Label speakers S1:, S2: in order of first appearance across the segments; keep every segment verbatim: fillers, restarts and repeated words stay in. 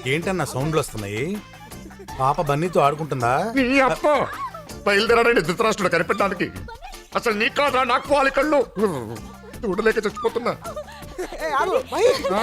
S1: ఏంటన్నా సౌండ్లు వస్తున్నాయి? పాప బన్నీతో ఆడుకుంటుందా?
S2: నీ అప్ప బయలుదేరాడండి ధృతరాష్ట్రుడు కనిపెట్టడానికి. అసలు నీ కాదా నాకు వాలి కళ్ళు చూడలేక చచ్చిపోతున్నా. ఆ?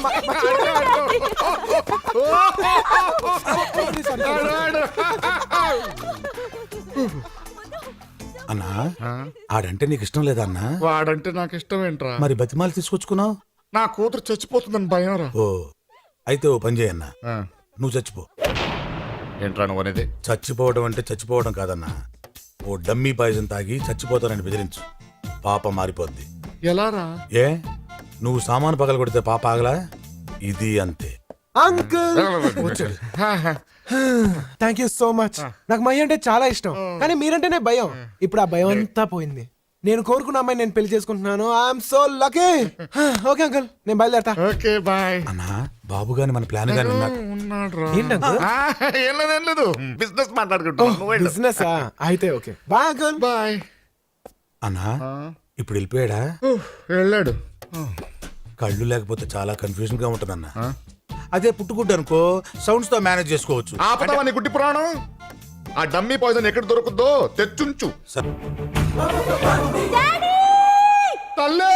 S1: అన్నా ఆడంటే నీకు ఇష్టం లేదా అన్నా?
S2: వాడంటే నాకు ఇష్టం ఏంట్రా?
S1: మరి బతిమాలు తీసుకొచ్చుకున్నావు?
S2: నా కూతురు చచ్చిపోతుందని భయం రా.
S1: ఓ అయితే ఓ పని చేయన్నా, నువ్వు చచ్చిపో.
S2: ఏంట్రా నువ్వు అనేది?
S1: చచ్చిపోవడం అంటే చచ్చిపోవడం కాదన్నా, ఓ డమ్మీ పాయిజన్ తాగి చచ్చిపోతానని బెదిరించు, పాప మారిపోద్ది.
S2: ఎలా రా?
S1: ఏ నువ్వు సామాను పగల కొడితే పాప ఆగలా? ఇది అంతే.
S3: Uncle thank you so much. నాకు మై అంటే చాలా ఇష్టం, కానీ మీరంటేనే భయం. ఇప్పుడు ఆ భయం అంతా పోయింది. నేను కోరుకున్న అమ్మాయి నేను పెళ్లి చేసుకుంటున్నాను. I'm so lucky. Okay uncle, నేను బయలుదేరతా.
S2: Okay bye.
S1: అన్నా బాబు గాని మన ప్లాన్ గాని ఉన్నాడు.
S2: ఉన్నాడు
S3: ఏంటి అంకుల్?
S2: ఏం లేదు ఏం లేదు, బిజినెస్ మాట్లాడుకుంటున్నా.
S3: బిజినెస్ అయితే ఓకే బాయ్ అంకుల్.
S2: బాయ్.
S1: అన్నా ఇప్పుడు వెళ్ళిపోయాడా?
S2: వెళ్ళాడు.
S1: కళ్ళు లేకపోతే చాలా కన్ఫ్యూజన్ గా ఉంటుందన్నా. అదే పుట్టుకుంటు అనుకో సౌండ్స్ తో మేనేజ్ చేసుకోవచ్చు.
S2: ఆపదావా నీ గుడ్డి పురాణం? ఆ డమ్మీ పాయిజన్ ఎక్కడ దొరుకుద్దో తెచ్చుంచు.
S1: సరే
S2: తల్లే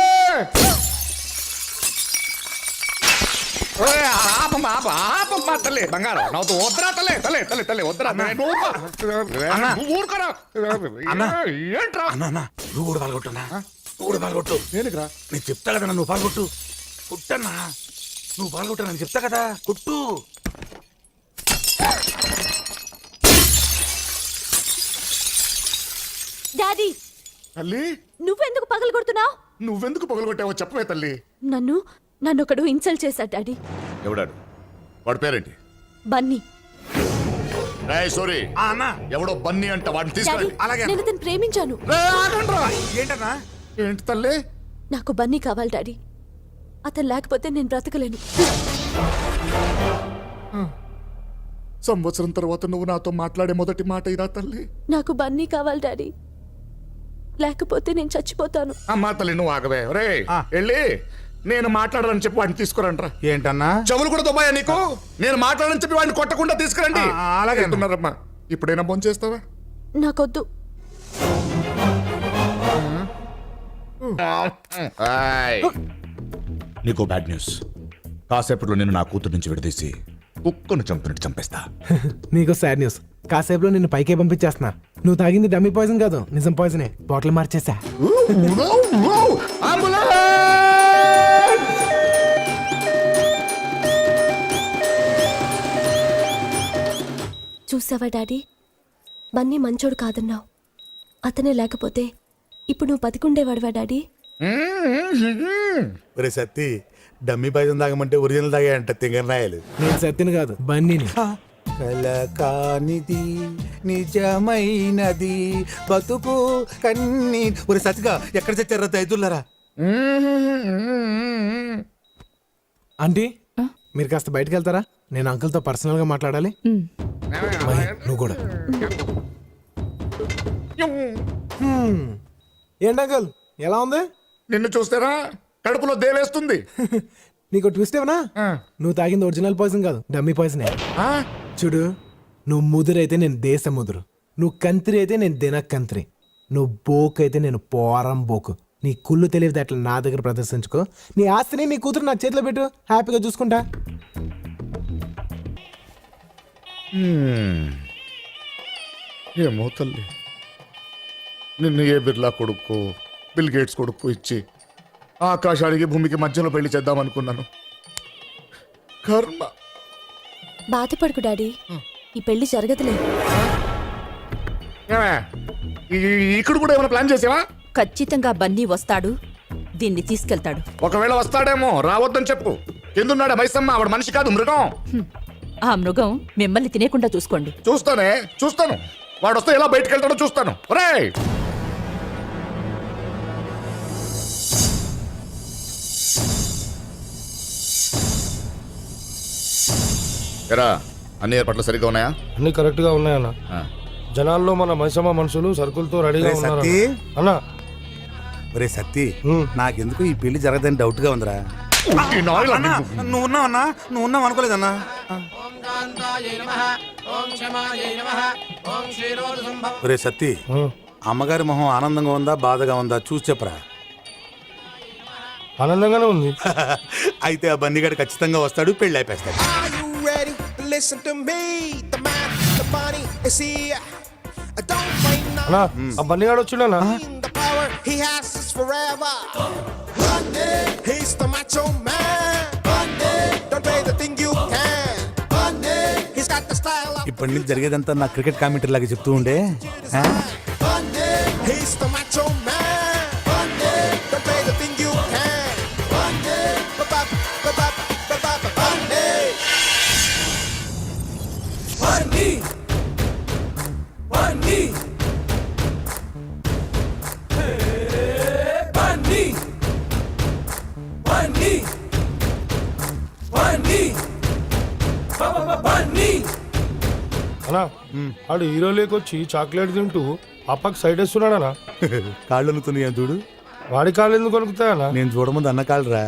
S2: ఆపమ్మ ఆప ఆపమ్మ తల్లి బంగారం నవ్వుతూ వద్దరా తల్లి తల్లి తల్లి తల్లి వద్దరా నువ్వు ఊరుకోరా. ఏంట్రా?
S1: అన్నా అన్నా నువ్వు కూడా పాల్గొట్టున్నా, నువ్వు కూడా పాల్గొట్టు.
S2: దేనికిరా?
S1: నేను చెప్తా కదా నువ్వు పాల్గొట్టు. కుట్టన్నా నువ్వు పాల్గొట్టు, నేను చెప్తా కదా కుట్టు.
S4: డాడీ
S2: తల్లి
S4: నువ్వెందుకు పగలు కొడుతున్నావు?
S2: నువ్వెందుకు పగలగొట్టావో చెప్పవే తల్లి.
S4: నన్ను నన్ను ఒకడు ఇన్సల్ట్ చేశాడు డాడీ.
S2: ఎవడాడు? వాడి పేరేంటి?
S4: బన్నీ.
S2: సారీ
S1: అన్నా
S2: ఎవడో బన్నీ అంట, వాడిని
S4: డాడీ
S2: తీసుకురండి.
S1: అలాగే.
S4: నేను అతను ప్రేమించాను.
S1: ఏంటన్నా?
S2: ఏంటి తల్లి?
S4: నాకు బన్నీ కావాలి డాడీ. అతను లేకపోతే నేను బ్రతకలేను.
S2: సంవత్సరం తర్వాత నువ్వు నాతో మాట్లాడే మొదటి మాట ఇదా తల్లి?
S4: నాకు బన్నీ కావాలి డాడీ, లేకపోతే నేను చచ్చిపోతాను.
S2: అమ్మా తల్లి నువ్వు ఆగవే. రే వెళ్ళి నేను మాట్లాడాలని చెప్పి వాడిని తీసుకురండి.
S1: ఏంటన్నా?
S2: చెవులు కూడా దుబాయా నీకు? నేను మాట్లాడని చెప్పి వాడిని కొట్టకుండా తీసుకురండి.
S1: ఆ, అలాగే.
S2: అంటున్నారమ్మా. ఇప్పుడైనా ఫోన్ చేస్తావా?
S4: నాకొద్దు.
S2: నీకు బ్యాడ్ న్యూస్. కాసేపట్లో నేను నా కూతురు నుంచి విడదీసి కుక్కను చంపినట్టు చంపేస్తా.
S3: నీకు సాడ్ న్యూస్. కాసేపులో నిన్ను పైకే పంపించేస్తున్నా. నువ్వు తాగింది డమ్మీ పాయిజన్ కాదు, నిజం పాయిజనే. బాటిల్ మార్చేసా.
S4: చూసావా డాడీ, బన్నీ మంచోడు కాదన్నావు. అతనే లేకపోతే ఇప్పుడు నువ్వు బతికుండేవాడువా డాడీ?
S1: ఒరే సత్తి, డమ్మీ పాయిజన్ తాగమంటే ఒరిజినల్ తాగాయంట తింగర్ నాయలు.
S3: నేను సత్తిని కాదు, బన్నీని.
S1: కల కానిది నిజమైనది బతుకు కన్నీ. ఒరే సత్తిగా ఎక్కడ చచ్చారా దైతులరా?
S3: ఆంటీ మీరు కాస్త బయటకు వెళ్తారా? నేను అంకుల్తో పర్సనల్ గా మాట్లాడాలి. మహి, నువ్వు కూడా. ఏంటి అంకుల్ ఎలా ఉంది?
S2: నిన్ను చూస్తారా కడుపులో దేవేస్తుంది.
S3: నీకు ట్విస్ట్ ఏమన్నా? నువ్వు తాగింది ఒరిజినల్ పాయిజన్ కాదు, డమ్మీ పాయిజనే. చూడు, నువ్వు ముదురైతే నేను దేశ ముదురు, నువ్వు కంత్రి అయితే నేను దిన కంత్రి, నువ్వు బోకు అయితే నేను పోరం బోకు. నీ కుళ్ళు తెలియదు అట్లా నా దగ్గర ప్రదర్శించుకో. నీ ఆస్తిని నీ కూతురు నా చేతిలో పెట్టు, హ్యాపీగా చూసుకుంటా.
S2: ఏమో తల్లి, నిన్ను ఏ బిర్లా కొడుకు బిల్ గేట్స్ కొడుకు ఇచ్చి ఆకాశానికి భూమికి మధ్యలో పెళ్లి చేద్దాం అనుకున్నాను. కర్మ.
S4: బాధపడుకు డాడీ, ఈ పెళ్లి జరగదులే.
S2: ఏమే, ఈ- ఇక్కడ కూడా ఏమైనా ప్లాన్ చేసావా?
S5: ఖచ్చితంగా బన్నీ వస్తాడు, దీన్ని తీసుకెళ్తాడు.
S2: ఒకవేళ వస్తాడేమో, రావద్దని చెప్పు. ఎందున్నాడా మైసమ్మ? ఆవిడ మనిషి కాదు, మృగం.
S5: ఆ మృగం మిమ్మల్ని తినేకుండా చూసుకోండి.
S2: చూస్తానే చూస్తాను. వాడు వస్తే ఎలా బయటకు వెళ్తాడో చూస్తాను. ఒరేయ్ ఎరా, అన్ని ఏర్పాట్లు సరిగ్గా ఉన్నాయా?
S6: అన్ని కరెక్ట్ గా ఉన్నాయన్న. జనాల్లో మన మైసమ్మ మనుషులు సరుకులతో రెడీగా
S1: ఒరే
S6: ఉన్నారు
S1: సత్తి,
S6: అన్న.
S1: ఒరే సత్తి,
S6: హ్మ్.
S1: నాకెందుకు ఈ పెళ్లి జరగదని డౌట్ గా ఉందిరా.
S2: ఈ నాయలు
S1: అన్నా, నువ్వు ఉన్నావన్నా? నువ్వు ఉన్నావు అనుకోలేదన్నా. ఒరే సత్తి, అమ్మగారి మొహం ఆనందంగా ఉందా బాధగా ఉందా చూసి చెప్పరా.
S6: ఆనందంగానే ఉంది.
S1: అయితే ఆ బన్నీగాడు ఖచ్చితంగా వస్తాడు, పెళ్ళి అయిపోతాడు.
S7: Are you ready? Listen to me. The man, the bunny is here. Don't wait now.
S6: అన్నా ఆ బన్నిగాడు వచ్చిండనా?
S7: The power he has is forever. Bunny, he's the macho man. Bunny, don't pay the thing you can. Bunny, he's got the style of.
S1: ఇప్పటి నుంచి జరిగేదంతా నా cricket commentary లాగా చెప్తూ ఉండే. ఆ?
S7: Bunny, he's the macho man. Bunny, don't pay the thing you can. Bunny, ba-ba, ba-ba, ba-ba, ba- Bunny. Bunny. Bunny. Bunny. Bunny. Bunny. Ba-ba-ba- Bunny.
S6: అన్నా ఆడు hero లేకొచ్చి chocolate తింటూ అప్పకి సైడ్ వేస్తున్నాడనా?
S1: కాళ్ళు అనుకున్నాయా చూడు.
S6: వాడి కాళ్ళు ఎందుకు కొనుకుతాయన్నా?
S1: నేను చూడముందు అన్న కాళ్ళరా.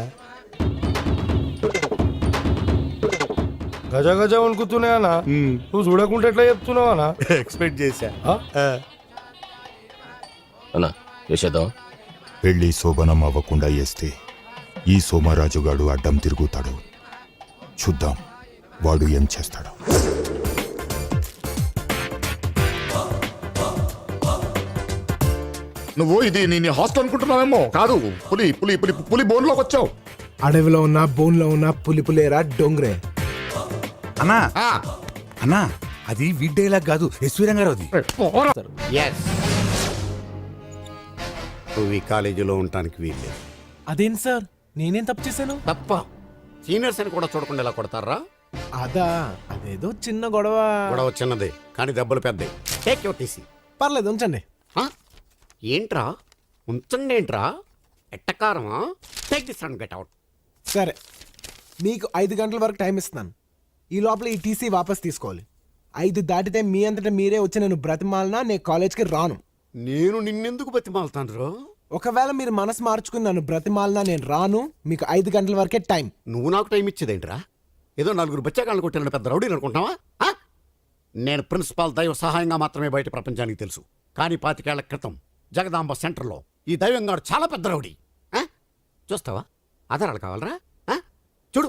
S6: గజ గజ వణుకుతున్నాయన్నా. నువ్వు చూడకుంటే ఎట్లా చెప్తున్నావనా?
S1: ఎక్స్పెక్ట్ చేశా.
S6: ఆ?
S1: ఆ.
S8: అన్నా వేసేద్దాం.
S9: పెళ్లి శోభనం అవ్వకుండా వేస్తే ఈ సోమరాజుగాడు అడ్డం తిరుగుతాడు. చూద్దాం వాడు ఏం చేస్తాడు.
S2: నువ్వు ఇది నీ హాస్టల్ అనుకుంటున్నావేమో. కాదు, పులి పులి పులి పులి బోన్లోకి వచ్చావు.
S3: అడవిలో ఉన్న బోన్లో ఉన్న పులిపులేరా డొంగ్రే.
S1: అన్నా
S2: ఆ,
S1: అన్నా అది వీడ్డేలా కాదు, ఎస్వీ రంగారావుది.
S2: పోరా.
S10: ఎస్ నువ్వు ఈ కాలేజీలో ఉండటానికి వీల్లేదు.
S3: అదేంటి సార్, నేనేం తప్పు చేశాను?
S10: తప్ప సీనియర్స్ అని కూడా చూడకుండా ఇలా కొడతారా?
S3: అదా, అదేదో చిన్న గొడవ.
S10: గొడవ చిన్నదే కానీ దెబ్బలు పెద్దవి. Take your TC.
S3: పర్లేదు ఉంచండి.
S10: ఏంట్రా ఉంచండి ఏంట్రా ఎట్టకారమా? Take this and get out.
S3: సరే, మీకు ఐదు గంటల వరకు టైం ఇస్తున్నాను. ఈ లోపల ఈ టీసీ వాపస్ తీసుకోవాలి. ఐదు దాటితే మీ అంతటా మీరే వచ్చి నేను బ్రతిమాలనా నేను కాలేజ్కి రాను.
S10: నేను నిన్నెందుకు బతిమాలుతాను రో?
S3: ఒకవేళ మీరు మనసు మార్చుకుని నన్ను బ్రతిమాలనా నేను రాను. మీకు ఐదు గంటల వరకే టైం.
S10: నువ్వు నాకు టైం ఇచ్చేదేంట్రా? ఏదో నలుగురు బచ్చాకాళ్ళు కొట్టిన పెద్ద రౌడీని అనుకుంటున్నావా? ఆ? నేను ప్రిన్సిపాల్ దైవ సహాయంగా మాత్రమే బయట ప్రపంచానికి తెలుసు. కానీ పాతికేళ్ల క్రితం జగదాంబ సెంటర్లో ఈ దైవంగాడు చాలా పెద్ద రౌడీ. ఆ? చూస్తావా? ఆధారాలు కావాలరా? ఆ? చూడు,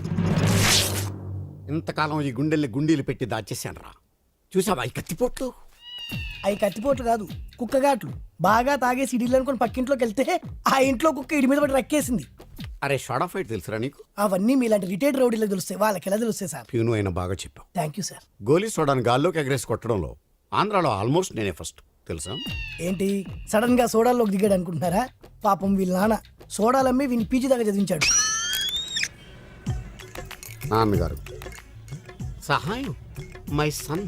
S10: ఇంతకాలం ఈ గుండెల్ని గుండీలు పెట్టి దాచేశాను రా. చూసావా ఈ కత్తిపోట్లు?
S11: అవి కత్తిపోట్లు కాదు, కుక్కగాట్లు. బాగా తాగేసి ఇడిలు అనుకుని పక్కింట్లోకి వెళ్తే ఆ ఇంట్లో కుక్క ఇడి మీద పడి రక్కేసింది.
S10: అరే షార్ట్ ఆఫ్ ఫైట్ తెలుసురా నీకు?
S11: అవన్నీ మీలాంటి రిటైర్డ్ రౌడీలకు తెలుస్తాయి, వాళ్ళకి ఎలా తెలుస్తాయి సార్?
S10: ప్యూను అయినా బాగా చెప్పావు.
S11: Thank you sir.
S10: గోలీ సోడాని గాల్లోకి ఎగరేసి కొట్టడంలో ఆంధ్రాలో ఆల్మోస్ట్ నేనే ఫస్ట్ తెలుసా?
S11: ఏంటి సడన్ గా సోడాల్లోకి దిగాడు అనుకుంటున్నారా? పాపం వీళ్ళ నాన్న సోడాలమ్మి వీని పీజీ దాకా చదివించాడు.
S10: నాన్నగారు సహాయం మై సన్.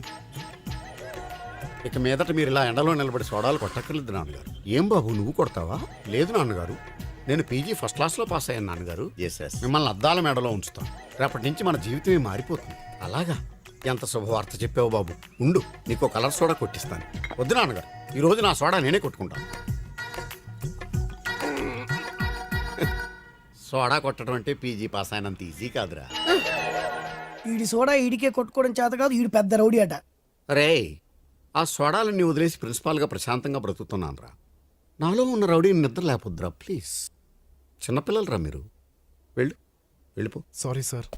S10: ఇక మీదట మీరు ఇలా ఎండలో నిలబడి సోడాలు కొట్టక్కర్లేదు నాన్నగారు. ఏం బాబు నువ్వు కొడతావా? లేదు నాన్నగారు, నేను పీజీ ఫస్ట్ క్లాస్లో పాస్ అయ్యాను నాన్నగారు. మిమ్మల్ని అద్దాల మేడలో ఉంచుతాను. రేపటి నుంచి మన జీవితమే మారిపోతుంది. అలాగా? ఎంత శుభవార్త చెప్పావు బాబు. ఉండు, నీకు కలర్ సోడా కొట్టిస్తాను. వద్దు నాన్నగారు, ఈ రోజు నా సోడా నేనే కొట్టుకుంటాను. సోడా కొట్టడం అంటే పీజీ పాస్ అయినంత ఈజీ కాదురా.
S11: ఈడి సోడా ఈడికే కొట్టుకోవడం చేత కాదు, ఈడు పెద్ద రౌడీ అట.
S10: రే, ఆ సోడాలన్నీ వదిలేసి ప్రిన్సిపాల్గా ప్రశాంతంగా బ్రతుకుతున్నాను రా. నాలో ఉన్న రౌడీని నిద్ర లేపొద్దురా ప్లీజ్. చిన్నపిల్లలరా మీరు. వెళ్ళు, వెళ్ళిపో.
S3: Sorry sir.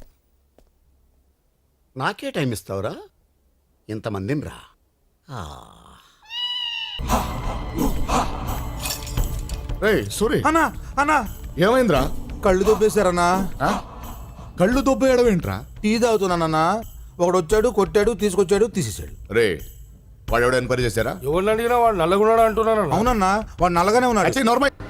S10: నాకే టైం ఇస్తావురా? ఇంతమందిని రా.
S2: ఏయ్ సూరి,
S1: అన్నా అన్నా
S2: ఏమైందిరా?
S1: కళ్ళు దొబ్బేశారన్నా.
S2: ఆ? కళ్ళు దొబ్బేయడం ఏంట్రా?
S1: టీ తాగుతున్నానన్నా. ఒకడు వచ్చాడు, కొట్టాడు, తీసుకొచ్చాడు, తీసేశాడు.
S2: రే, వాడు ఎవడో ఎన్క్వైరీ చేశారా?
S6: ఎవరిని అడిగినా వాడు నల్లగున్నాడు అంటున్నాను.
S1: అవునన్నా, వాడు నల్లగానే ఉన్నాడు.
S2: నార్మల్